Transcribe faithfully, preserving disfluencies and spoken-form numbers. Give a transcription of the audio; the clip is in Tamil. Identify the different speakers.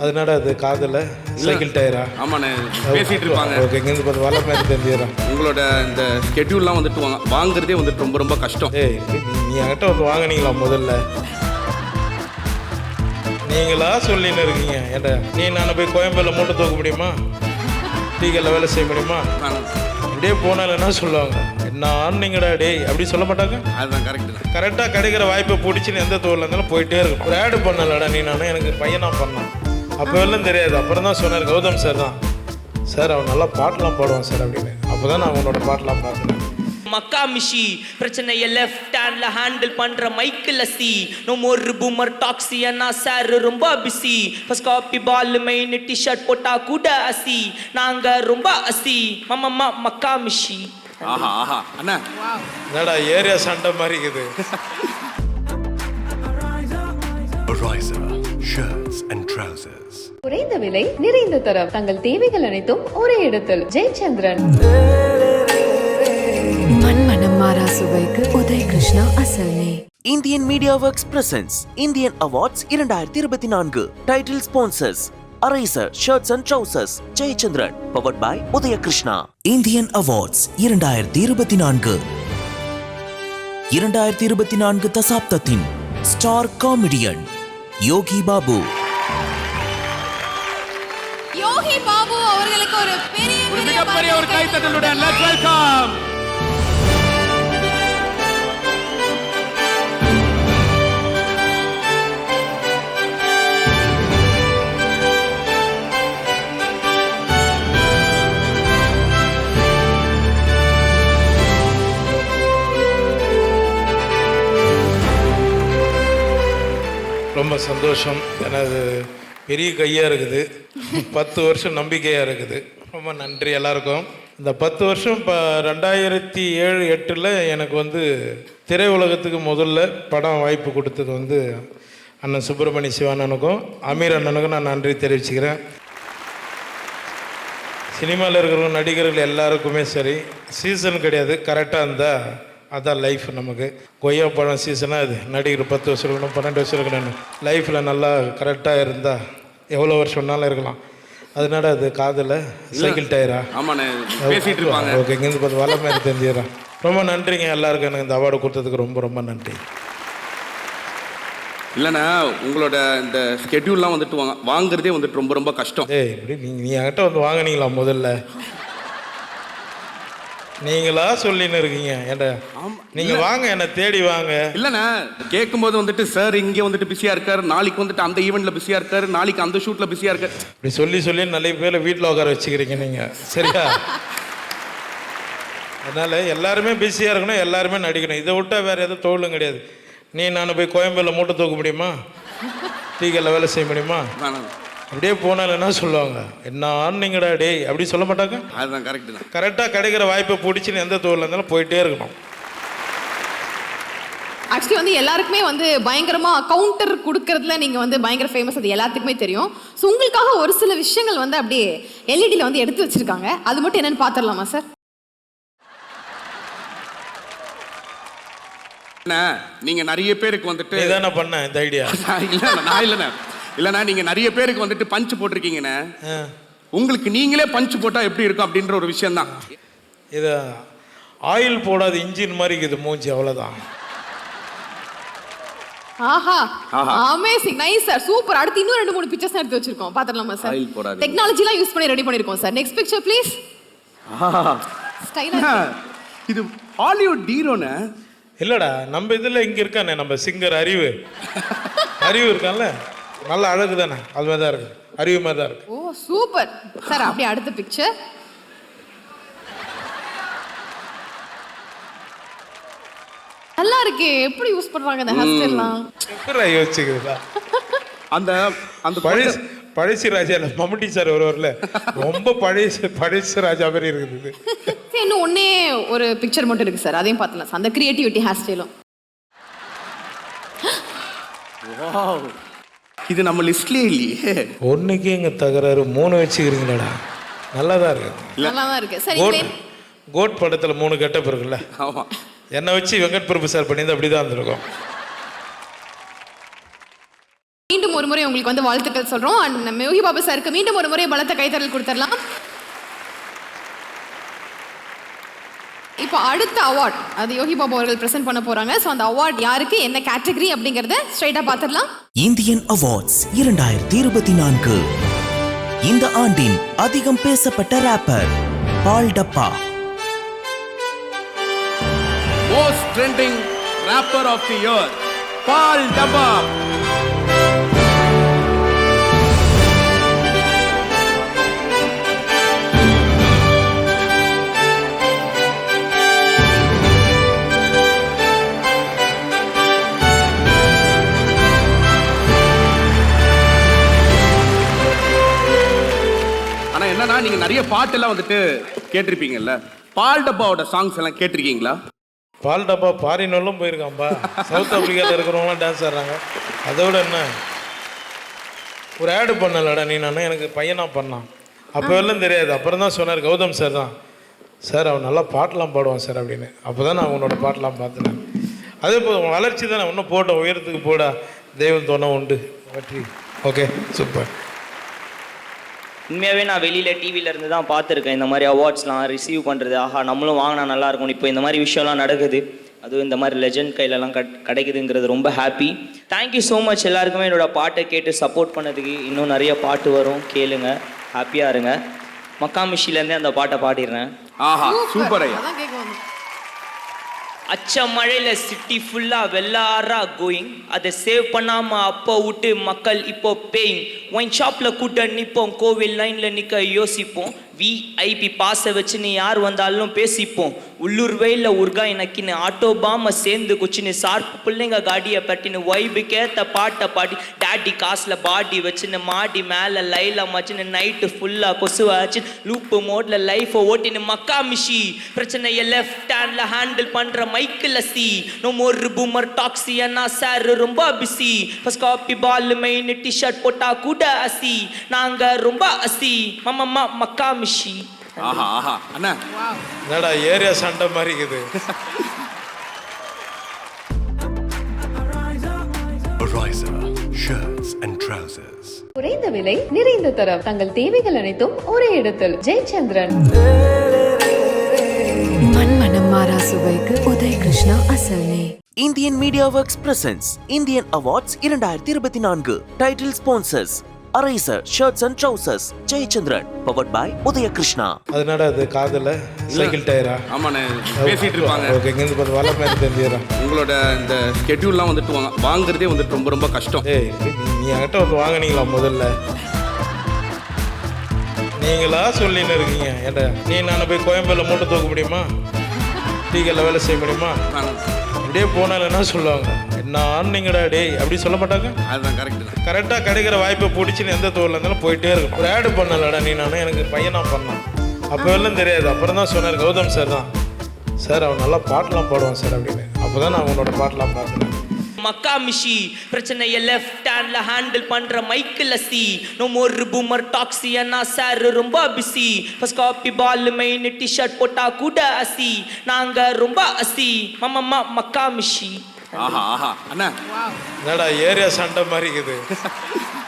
Speaker 1: அதனால அது காதில் சைக்கிள் டயரா?
Speaker 2: ஆமாண்ணே, பேசிட்டு இருப்பாங்க.
Speaker 1: ஓகே, இங்கேருந்து பார்த்து வள மாதிரி தெரிஞ்சுக்கிறேன்.
Speaker 2: உங்களோட இந்த ஸ்கெட்யூல்லாம் வந்துட்டு வாங்க வாங்குறதே வந்துட்டு ரொம்ப ரொம்ப கஷ்டம்.
Speaker 1: ஏய், நீ நீ என்கிட்ட வந்து வாங்கினீங்களா முதல்ல? நீங்களா சொல்லின்னு இருக்கீங்க ஏன்டா? நீ நான் போய் கோயம்பேடில் மூட்டை தூக்க முடியுமா? டீக்கல்ல வேலை செய்ய முடியுமா? அப்படியே போனாலும் என்ன சொல்லுவாங்க, என்ன ஆனீங்கடா டேய் அப்படி சொல்ல மாட்டாங்க.
Speaker 2: அதுதான் கரெக்ட் தான்.
Speaker 1: கரெக்டாக கிடைக்கிற வாய்ப்பை பிடிச்சின்னு எந்த தூரில் இருந்தாலும் போயிட்டே இருக்கும். ஒரு ஆடு பண்ணலடா நீ, நானும் எனக்கு பையனா பண்ணான். அப்போ எல்லாம் தெரியாது. அப்புறம் தான் சொன்னார் கௌதம் சார் தான், சார் அவன் நல்லா பாட்டெலாம் பாடுவான் சார் அப்படின்னு. அப்போ தான் நான் உன்னோட பாட்டெலாம் பார்க்குறேன்.
Speaker 3: மக்கா மிஷி பிரச்சனையை லெஃப்ட் ஹேண்ட்ல ஹேண்டில் பண்ற மைக்கில் see no more boomer taxi அண்ணா சார் ரொம்ப பிஸி ஃபர்ஸ்ட் காப்பி பால் மெயின் டிஷர்ட் போட்டா கூட அசி நாங்க ரொம்ப அசி மம்மம்மா மக்கா மிஷி.
Speaker 2: ஆஹா ஆஹா அண்ணா,
Speaker 1: என்னடா ஏரியா சண்டை மாதிரி இருக்குது.
Speaker 4: Ariza shirts and trousers.
Speaker 5: குறைந்த விலை நிறைந்த தரம் தங்கள் தேவைகள் அனைத்தும் ஒரே இடத்தில். ஜெயச்சந்திரன்.
Speaker 6: மண்மனம் மாறா சுவைக்கு உதய் கிருஷ்ணா அசல்னே.
Speaker 7: Indian media works presents Indian awards இரண்டாயிரத்தி இருபத்தி நான்கு. Title sponsors Ariza shirts and trousers, Jayachandran. Powered by Udaya Krishna. Indian awards இரண்டாயிரத்தி இருபத்தி நான்கு. இரண்டாயிரத்தி இருபத்தி நான்கு தசாப்தத்தின் ஸ்டார் காமெடியன் யோகி பாபு.
Speaker 6: யோகி பாபு அவர்களுக்கு ஒரு பெரிய
Speaker 2: ஒரு மிகப்பெரிய ஒரு கைத்தட்டலுடன் லெட்ஸ் வெல்கம்.
Speaker 1: ரொம்ப சந்தோஷம். ஏன்னா அது பெரிய கையாக இருக்குது. பத்து வருஷம் நம்பிக்கையாக இருக்குது. ரொம்ப நன்றி எல்லாருக்கும். இந்த பத்து வருஷம் இப்போ ரெண்டாயிரத்தி ஏழு எட்டில் எனக்கு வந்து திரையுலகத்துக்கு முதல்ல படம் வாய்ப்பு கொடுத்தது வந்து அண்ணன் சுப்பிரமணிய சிவானனுக்கும் அமீர் அண்ணனுக்கும் நான் நன்றி தெரிவிச்சுக்கிறேன். சினிமாவில் இருக்கிற நடிகர்கள் எல்லாருக்குமே சரி, சீசன் கிடையாது, கரெக்டாக இருந்தால் அதான் லைஃப். நமக்கு கொய்யா பழம் சீசனாக அது நடிகர் பத்து வருஷம் இருக்கணும், பன்னெண்டு வருஷம் இருக்கணும். லைஃப்பில் நல்லா கரெக்டாக இருந்தால் எவ்வளோ வருஷம்னாலும் இருக்கலாம். அதனால அது காதில் சைக்கிள் டயரா?
Speaker 2: ஆமாண்ணே, பேசிட்டு இருப்பாங்க.
Speaker 1: ஓகே, இங்கேருந்து பார்த்து வள மாதிரி தெரிஞ்சுக்கிறேன். ரொம்ப நன்றிங்க எல்லாருக்கும். எனக்கு இந்த அவார்டு கொடுத்ததுக்கு ரொம்ப ரொம்ப நன்றி.
Speaker 2: இல்லைண்ணா, உங்களோட இந்த ஸ்கெட்யூல்லாம் வந்துட்டு வாங்க வாங்குறதே வந்துட்டு ரொம்ப ரொம்ப கஷ்டம்.
Speaker 1: ஏய், இப்படி நீங்கள் நீ என்கிட்ட வந்து வாங்கினீங்களா முதல்ல? நீங்களா சொல்லின்னு இருக்கீங்க ஏன்டா? நீங்க வாங்க, என்ன தேடி வாங்க.
Speaker 2: இல்லைண்ணா, கேட்கும்போது வந்துட்டு சார் இங்கே வந்துட்டு பிஸியாக இருக்காரு, நாளைக்கு வந்துட்டு அந்த ஈவெண்ட்டில் பிஸியாக இருக்காரு, நாளைக்கு அந்த ஷூட்டில் பிஸியாக இருக்காரு.
Speaker 1: இப்படி சொல்லி சொல்லி நிறைய பேர் வீட்டில் உட்கார வச்சுக்கிறீங்க நீங்கள், சரியா? அதனால் எல்லாருமே பிஸியாக இருக்கணும், எல்லாருமே நடிக்கணும். இதை விட்டால் வேறு எதுவும் தொழிலும் கிடையாது. நீ நான் போய் கோயம்பேடில் மூட்டை தூக்க முடியுமா? டீக்கல்ல வேலை செய்ய முடியுமா? அப்படியே போனாலும் என்ன சொல்லுவாங்க, என்ன ஆனீங்கடா டேய் அப்படி சொல்ல மாட்டாங்க.
Speaker 2: அதுதான் கரெக்ட் தான்.
Speaker 1: கரெக்டாக கிடைக்கிற வாய்ப்பை பிடிச்சின்னு எந்த தூரில் இருந்தாலும் போயிட்டே இருக்கணும்.
Speaker 8: ஆக்சுவலி வந்து எல்லாருக்குமே வந்து பயங்கரமா கவுண்டர் கொடுக்கறதுல நீங்க வந்து பயங்கர ஃபேமஸ், அது எல்லாத்துக்குமே தெரியும். ஸோ உங்களுக்காக ஒரு சில விஷயங்கள் வந்து அப்படியே எல்இடியில் வந்து எடுத்து வச்சிருக்காங்க. அது மட்டும் என்னன்னு பார்த்துடலாமா சார்?
Speaker 2: நீங்க நிறைய பேருக்கு வந்துட்டு
Speaker 1: இதானே பண்ண இந்த ஐடியா?
Speaker 2: இல்ல நான் இல்லைண்ணா இல்லைண்ணா நீங்க நிறைய பேருக்கு வந்துட்டு பஞ்ச் போட்டிருக்கீங்கண்ணே. உங்களுக்கு நீங்களே பஞ்ச் போட்டா எப்படி இருக்கும் அப்படின்ற ஒரு விஷயம் தான்
Speaker 1: இது. ஆயில் போடாத இன்ஜின் மாதிரி இது மூஞ்சி, அவ்வளோதான்.
Speaker 8: ஆஹா, அமேசிங், நைஸ் சார், சூப்பர். அடுத்து இன்னும் ரெண்டு மூணு பிக்சர்ஸ் எடுத்து வச்சிருக்கோம், பார்த்துடலாமா சார்?
Speaker 2: ஆயில் போடாத
Speaker 8: டெக்னாலஜிலாம் யூஸ் பண்ணி ரெடி பண்ணிருக்கோம் சார். Next picture please. ஸ்டைலா
Speaker 2: இது ஹாலிவுட் ஹீரோண்ணே.
Speaker 1: இல்லைடா, நம்ம இதில் இங்கே இருக்கானே நம்ம சிங்கர் அறிவு. அறிவு இருக்கான்ல, நல்ல அழகு தானே, அது மாதிரி தான் இருக்கு, அறிவு மாதிரி தான் இருக்கு.
Speaker 8: ஓ சூப்பர் சார். அப்படியே அடுத்த பிக்சர். நல்லா இருக்கு. எப்படி யூஸ் பண்றாங்க இந்த ஹேர் ஸ்டைல்லாம்?
Speaker 1: எப்படி யோசிச்சுக்குதா?
Speaker 2: அந்த அந்த
Speaker 1: பழசு பழசு ராஜா இல்லை, மம்முட்டி சார் ஒருவரில் ரொம்ப பழசு பழசு ராஜா மாதிரி இருக்குது.
Speaker 8: இன்னும் ஒன்னே ஒரு பிக்சர் மட்டும் இருக்கு சார், அதையும் பார்த்துலாம் சார். அந்த கிரியேட்டிவிட்டி ஹேர் ஸ்டைலும்.
Speaker 2: இது நம்ம லிஸ்ட்லயே இல்லையே.
Speaker 1: ஒன்றுக்கு இங்கே தகராறு, மூணு வச்சுக்கிறீங்களாடா? நல்லா தான் இருக்கு,
Speaker 8: நல்லா தான் இருக்கு. சரி,
Speaker 1: கோட் கோட் படத்தில் மூணு கெட்டப் இருக்குல்ல,
Speaker 2: ஆமா.
Speaker 1: என்னை வச்சு வெங்கட் பிரபு சார் பண்ணியிருந்தா அப்படி தான் இருந்திருக்கும்.
Speaker 8: மீண்டும் ஒரு முறை சார்பாகவே உங்களுக்கு வந்து வாழ்த்துக்கள் சொல்றோம். அண்ட் நம்ம யோகி பாபு சாருக்கு மீண்டும் ஒரு முறை பலத்த கைத்தறல் கொடுத்துடலாம். இப்போ அடுத்த அவார்ட் அது யோகி பாபு அவர்கள் பிரசன்ட் பண்ண போறாங்க. ஸோ அந்த அவார்ட் யாருக்கு, என்ன கேட்டகரி அப்படிங்கறத ஸ்ட்ரைட்டா பார்த்துடலாம்.
Speaker 7: இந்தியன் அவார்ட்ஸ் இரண்டாயிரத்தி இருபத்தி நான்கு. இந்த ஆண்டின் அதிகம் பேசப்பட்ட rapper Paal Dabba.
Speaker 2: Most trending rapper of the year Paal Dabba. ஆனா என்னன்னா நீங்க நிறைய பாட்டெல்லாம் வந்துட்டு கேட்டிருப்பீங்கல்ல, பால் டப்பாவோட சாங்ஸ் எல்லாம் கேட்டிருக்கீங்களா?
Speaker 1: பால் டப்பா பாரினெல்லாம் போயிருக்காம்பா. சவுத் ஆப்பிரிக்காவில் இருக்கிறவங்களாம் டான்ஸ் ஆடுறாங்க. அதை விட என்ன ஒரு ஆடு பண்ணலடா நீ, நான் எனக்கு பையனாக பண்ணான். அப்போ எல்லாம் தெரியாது. அப்புறம் தான் சொன்னார் கௌதம் சார் தான், சார் அவன் நல்லா பாட்டெலாம் பாடுவான் சார் அப்படின்னு. அப்போ தான் நான் உன்னோட பாட்டெலாம் பார்த்தேன். அதே போல் வளர்ச்சி தானே, இன்னும் போட்ட உயரத்துக்கு போடா, தெய்வம் தோணை உண்டு வெற்றி. Okay super.
Speaker 3: உண்மையாகவே நான் வெளியில் டிவியில் இருந்து தான் பார்த்துருக்கேன் இந்த மாதிரி அவார்ட்ஸ்லாம் ரிசீவ் பண்ணுறது. ஆஹா நம்மளும் வாங்கினா நல்லா இருக்கும். இப்போ இந்த மாதிரி விஷயம்லாம் நடக்குது, அதுவும் இந்த மாதிரி லெஜண்ட் கையிலலாம் கட் கிடைக்குதுங்கிறது ரொம்ப ஹாப்பி. தேங்க்யூ ஸோ மச் எல்லாருக்குமே என்னோட பாட்டை கேட்டு சப்போர்ட் பண்ணதுக்கு. இன்னும் நிறைய பாட்டு வரும், கேளுங்க, ஹாப்பியாக இருங்க. மக்காமிஷிலேருந்தே அந்த பாட்டை பாடிடுறேன்.
Speaker 2: ஆஹா சூப்பர் ஐயா.
Speaker 8: அதான் கேட்க வந்தோம்.
Speaker 3: அச்ச மழையில சிட்டி ஃபுல்லா வெள்ளாரா கோயிங், அதை சேவ் பண்ணாம அப்போ விட்டு மக்கள் இப்போ பேயிங். ஒயின் ஷாப்ல கூட்ட நிப்போம், கோவில் லைன்ல நிக்க யோசிப்போம். விஐபி பாச வச்சு நீ யார் வந்தாலும் பேசிப்போம். உள்ளூர் வெயில உருகா எனக்குன்னு ஆட்டோ பாம சேர்ந்து குச்சின்னு சார்பு பிள்ளைங்க காடியை பட்டின்னு வைபுக்கேத்த பாட்டை பாடி டாடி காசுல பாடி வச்சுன்னு மாடி மேல லைல மச்சுன்னு நைட்டு ஃபுல்லா கொசுவாச்சு லூப்பு மோட்ல லைஃபை ஓட்டின்னு மக்கா மிஷி பிரச்சனையை லெஃப்ட் ஹேண்ட்ல ஹேண்டில் பண்ற மைக்கில் see no more boomer taxi அண்ணா சார் ரொம்ப பிஸி. ஃபர்ஸ்ட் காப்பி பால் மெயின் டிஷர்ட் போட்டா கூட அசி, நாங்க ரொம்ப அசி மம்மம்மா மக்கா மிஷி.
Speaker 2: ஆஹா ஆஹா அண்ணா
Speaker 1: என்னடா ஏரியா சண்டை மாதிரி இருக்குது.
Speaker 4: Ariza shirts and trousers.
Speaker 5: குறைந்த விலை நிறைந்த தரம் தங்கள் தேவைகள் அனைத்தும் ஒரே இடத்தில். ஜெயச்சந்திரன்.
Speaker 6: மண்மனம் மாறா சுவைக்கு உதய கிருஷ்ணா அசல் நெய்.
Speaker 7: Indian media works presents Indian awards இரண்டாயிரத்தி இருபத்தி நான்கு. Title sponsors Ariza shirts and trousers Jayachandran. Powered by Udaya Krishna.
Speaker 1: அதனால அது காதில் சைக்கிள் டயரா?
Speaker 2: ஆமாண்ணே பேசிட்டு இருப்பாங்க.
Speaker 1: ஓகே, இங்கேருந்து பார்த்து வர மாதிரி தெரிஞ்சிடறேன்.
Speaker 2: உங்களோட இந்த ஸ்கெட்யூல்லாம் வந்துட்டு வாங்க வாங்குறதே வந்துட்டு ரொம்ப ரொம்ப கஷ்டம்.
Speaker 1: ஏய் நீ- நீ என்கிட்ட வந்து வாங்கினீங்களா முதல்ல? நீங்களா சொல்லின்னு இருக்கீங்க. ஏன்டா நீ நான் போய் கோயம்பேல மூட்டை தூக்க முடியுமா? டீக்கல்ல வேலை செய்ய முடியுமா? அப்படியே போனாலும் என்ன சொல்லுவாங்க, என்ன ஆனீங்கடா டேய் அப்படி சொல்ல மாட்டாங்க.
Speaker 2: அதுதான் கரெக்ட் தான்.
Speaker 1: கரெக்டாக கிடைக்கிற வாய்ப்பை பிடிச்சின்னு எந்த தோல்ல இருந்தாலும் போயிட்டே இருக்கும். ஒரு ஆடு பண்ணலடா நீ, நான் எனக்கு பையனாக பண்ணான். அப்போ எல்லாம் தெரியாது. அப்புறம் தான் சொன்னார் கௌதம் சார் தான், சார் அவன் நல்லா பாட்டெலாம் பாடுவான் சார் அப்படின்னு. அப்போ தான் நான் உன்னோட பாட்டெலாம் பார்த்தேன்.
Speaker 3: மக்கா மிஷி பிரச்சனையை லெஃப்ட் ஹேண்ட்ல ஹேண்டில் பண்ற மைக்கில் see no more boomer taxi அண்ணா சார் ரொம்ப பிஸி. ஃபர்ஸ்ட் காப்பி பால் மெயின் டிஷர்ட் போட்டா கூட அசி, நாங்க ரொம்ப அசி மம்மம்மா மக்கா மிஷி.
Speaker 2: ஆஹா ஆஹா அண்ணா
Speaker 1: என்னடா ஏரியா சண்டை மாதிரி இருக்குது.